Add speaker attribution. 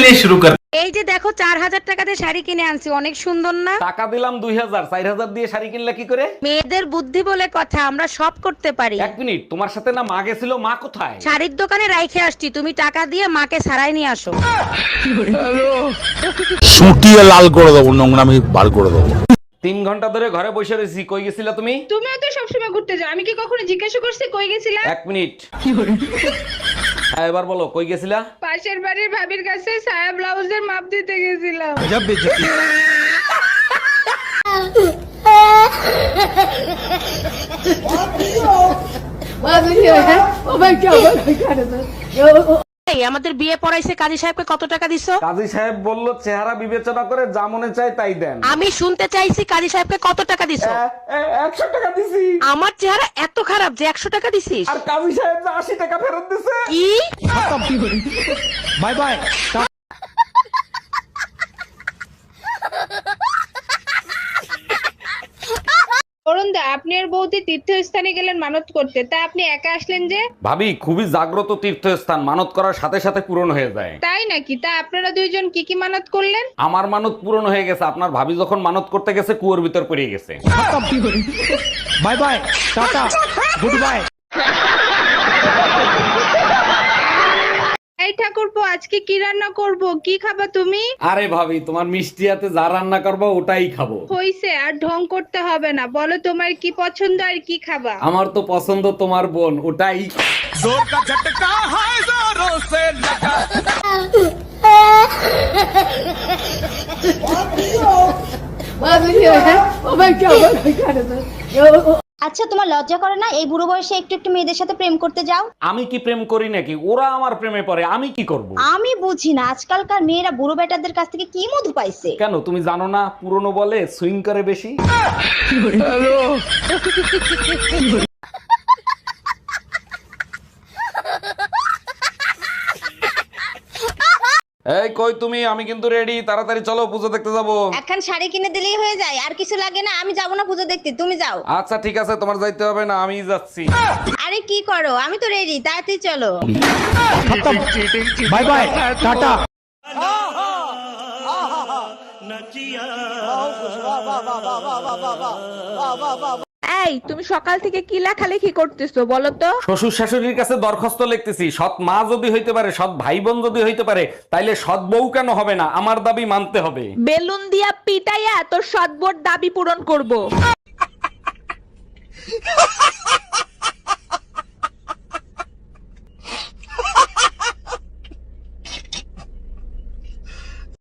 Speaker 1: चलिए शुरू कर।
Speaker 2: এই যে দেখো 4000 টাকা দিয়ে শাড়ি কিনে আনছি, অনেক সুন্দর না?
Speaker 3: টাকা দিলাম 2000, 4000 দিয়ে শাড়ি কিনলে কি করে?
Speaker 2: মেয়েদের বুদ্ধি বলে কথা, আমরা সব করতে পারি।
Speaker 3: এক মিনিট, তোমার সাথে না মা গেছিল, মা কোথায়?
Speaker 2: শাড়ির দোকানে রাইখে আসছি, তুমি টাকা দিয়ে মাকে সারাই নিয়ে আসো।
Speaker 4: সুটিয়ে লাল করে দেবো, নোংরামি বার করে দেবো।
Speaker 3: 3 ঘন্টা ধরে ঘরে বসে রয়েছি, কই গেছিলা তুমি?
Speaker 5: তুমিও তো সবসময় ঘুরতে যাও, আমি কি কখনো জিজ্ঞাসা করছি কই গেছিলা?
Speaker 3: 1 মিনিট। হ্যাঁ, এবার বলো কই গেছিলা?
Speaker 5: পাশের বাড়ির ভাবির কাছে সায়া ব্লাউজের মাপ দিতে গেছিলাম।
Speaker 2: এই আমাদের বিয়ে পড়াইছে, কাজী সাহেবকে কত টাকা দিছো?
Speaker 3: কাজী সাহেব বলল চেহারা বিবেচনা করে যা মনে চায় তাই দেন।
Speaker 2: আমি শুনতে চাইছি কাজী সাহেবকে কত টাকা দিছো?
Speaker 3: 100 টাকা দিছি।
Speaker 2: আমার চেহারা এত খারাপ যে 100 টাকা দিছিস?
Speaker 3: আর কাজী সাহেব যে 80 টাকা ফেরত দিছে।
Speaker 2: কি?
Speaker 4: Bye bye.
Speaker 5: অরুণ দা, আপনি আর বৌদি তীর্থস্থানে গেলেন মানত করতে, তা আপনি একা আসলেন যে?
Speaker 3: ভাবি, খুবই জাগ্রত তীর্থস্থান, মানত করার সাথে সাথে পূরণ হয়ে যায়।
Speaker 5: তাই নাকি? তা আপনারা দুইজন কি কি মানত করলেন?
Speaker 3: আমার মানত পূরণ হয়ে গেছে, আপনার ভাবি যখন মানত করতে গেছে কুয়োর ভিতর পড়ে গেছে।
Speaker 4: Bye bye, tata, good bye.
Speaker 5: এই ঠাকুরপো, আজকে কি রান্না করব? কি খাবা তুমি?
Speaker 3: আরে ভাবি, তোমার মিষ্টি হাতে যা রান্না করবো ওটাই খাবো।
Speaker 5: হইছে, আর ঢং করতে হবে না, বলো তোমার কি পছন্দ আর কি খাবা?
Speaker 3: আমার তো পছন্দ তোমার বোন, ওটাই।
Speaker 6: আচ্ছা, তোমার লজ্জা করে না এই বুড়ো বয়সে একটু একটু মেয়েদের সাথে প্রেম করতে যাও?
Speaker 3: আমি কি প্রেম করি নাকি? ওরা আমার প্রেমে পড়ে, আমি কি করব?
Speaker 6: আমি বুঝি না আজকালকার মেয়েরা বুড়ো বেটাদের কাছ থেকে কি মধু পাইছে।
Speaker 3: কেন, তুমি জানো না পুরনো বলে সুইং করে বেশি? এই কই তুমি? আমি কিন্তু রেডি, তাড়াতাড়ি চলো, পুজো দেখতে যাবো।
Speaker 6: এখন শাড়ি কিনে দিলেই হয়ে যায়, আর কিছু লাগে না? আমি যাবো না পুজো দেখতে, তুমি যাও।
Speaker 3: আচ্ছা ঠিক আছে, তোমার যাইতে হবে না, আমি যাচ্ছি।
Speaker 6: আরে কি করো, আমি তো রেডি, তাড়াতাড়ি চলো।
Speaker 4: Bye bye, tata.
Speaker 7: এই তুমি সকাল থেকে কি লেখালেখি করতেছো বলো তো?
Speaker 3: শ্বশুর শাশুড়ির কাছে দরখাস্ত লিখতেছি, সৎ মা যদি হইতে পারে, সৎ ভাই বোন যদি হইতে পারে, তাইলে সৎ বউ কেন হবে না? আমার দাবি মানতে হবে।
Speaker 7: বেলুন দিয়া পিটাইয়া তোর সদবোর দাবি পূরণ করব।